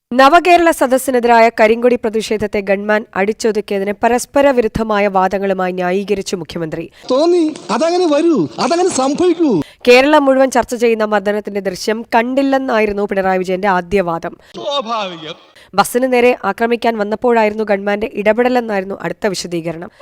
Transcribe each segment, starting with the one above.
നവകേരള സദസ്സിനെതിരായ കരിങ്കൊടി പ്രതിഷേധത്തെ ഗൺമാൻ അടിച്ചൊതുക്കിയതിന് പരസ്പര വിരുദ്ധമായ വാദങ്ങളുമായി ന്യായീകരിച്ചു മുഖ്യമന്ത്രി. തോന്നി അതങ്ങനെ വരൂ, അതങ്ങനെ സംഭവിക്കൂ. കേരളം മുഴുവൻ ചർച്ച ചെയ്യുന്ന മർദ്ദനത്തിന്റെ ദൃശ്യം കണ്ടില്ലെന്നായിരുന്നു പിണറായി വിജയന്റെ ആദ്യവാദം. ബസ്സിന് നേരെ ആക്രമിക്കാൻ വന്നപ്പോഴായിരുന്നു ഗൺമാന്റെ ഇടപെടലെന്നായിരുന്നു അടുത്ത വിശദീകരണം.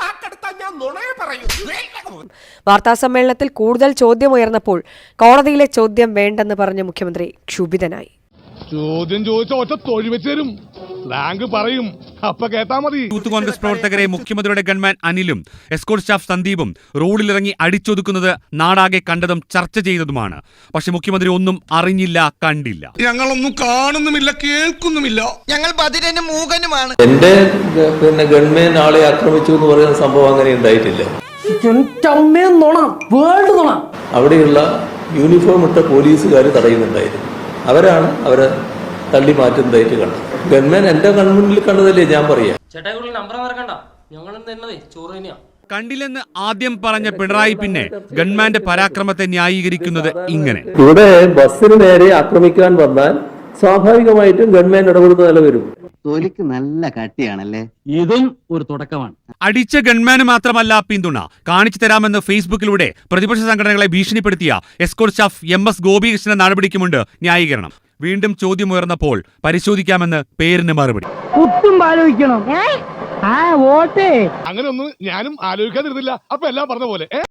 വാർത്താസമ്മേളനത്തിൽ കൂടുതൽ ചോദ്യമുയർന്നപ്പോൾ കോടതിയിലെ ചോദ്യം വേണ്ടെന്ന് പറഞ്ഞ മുഖ്യമന്ത്രി ക്ഷുഭിതനായി. ചോദ്യം ചോദിച്ച ഒറ്റ തൊഴിൽ വെച്ച് തരും, സ്ലാങ് പറയും, അപ്പൊ കേട്ടാ മതി. യൂത്ത് കോൺഗ്രസ് പ്രവർത്തകരെ മുഖ്യമന്ത്രിയുടെ ഗൺമാൻ അനിലും എസ്കോർട്ട് സ്റ്റാഫ് സന്ദീപും റോഡിലിറങ്ങി അടിച്ചൊതുക്കുന്നത് നാടാകെ കണ്ടതും ചർച്ച ചെയ്തതുമാണ്. പക്ഷെ മുഖ്യമന്ത്രി ഒന്നും അറിഞ്ഞില്ല, കണ്ടില്ല. ഞങ്ങളൊന്നും കാണുന്നുമില്ല, കേൾക്കുന്നുമില്ല. ഞങ്ങൾ ബധിരനും മൂകനുമാണ്. എന്റെ ഗൺമാൻ ആളെ ആക്രമിച്ചു എന്ന് പറയുന്ന സംഭവം അങ്ങനെ ഉണ്ടായിട്ടില്ല. അവിടെയുള്ള യൂണിഫോം ഇട്ട പോലീസുകാർ തടയുന്നുണ്ടായിരുന്നു. അവരാണ് അവരെ തള്ളി മാറ്റുന്നതായിട്ട് കണ്ടത്. ഗവൺമെന്റ് എന്റെ കൺമുന്നിൽ കണ്ടതല്ലേ ഞാൻ പറയാം. കണ്ടില്ലെന്ന് ആദ്യം പറഞ്ഞ പിണറായി പിന്നെ ഗൺമാന്റെ പരാക്രമത്തെ ന്യായീകരിക്കുന്നത് ഇങ്ങനെ: ഇവിടെ ബസ്സിന് നേരെ ആക്രമിക്കാൻ വന്നാൽ സ്വാഭാവികമായിട്ടും ഗവൺമെന്റ് ഇടപെടുന്ന നില വരും. തൊലിക്ക് നല്ല കട്ടിയാണല്ലേ. ഇതും ഒരു തുടക്കമാണ്. അടിച്ച ഗൺമാന് മാത്രമല്ല പിന്തുണ കാണിച്ചു തരാമെന്ന് ഫേസ്ബുക്കിലൂടെ പ്രതിപക്ഷ സംഘടനകളെ ഭീഷണിപ്പെടുത്തിയ എസ്കോർട്ട് സ്റ്റാഫ് MS ഗോപികൃഷ്ണന്റെ നടപടിക്കുമുണ്ട് ന്യായീകരണം. വീണ്ടും ചോദ്യമുയർന്നപ്പോൾ പരിശോധിക്കാമെന്ന് പേരിന് മറുപടി. അങ്ങനെ ഒന്നും ഞാനും ആലോചിക്കാതിരുന്നില്ല. അപ്പൊ എല്ലാം പറഞ്ഞ പോലെ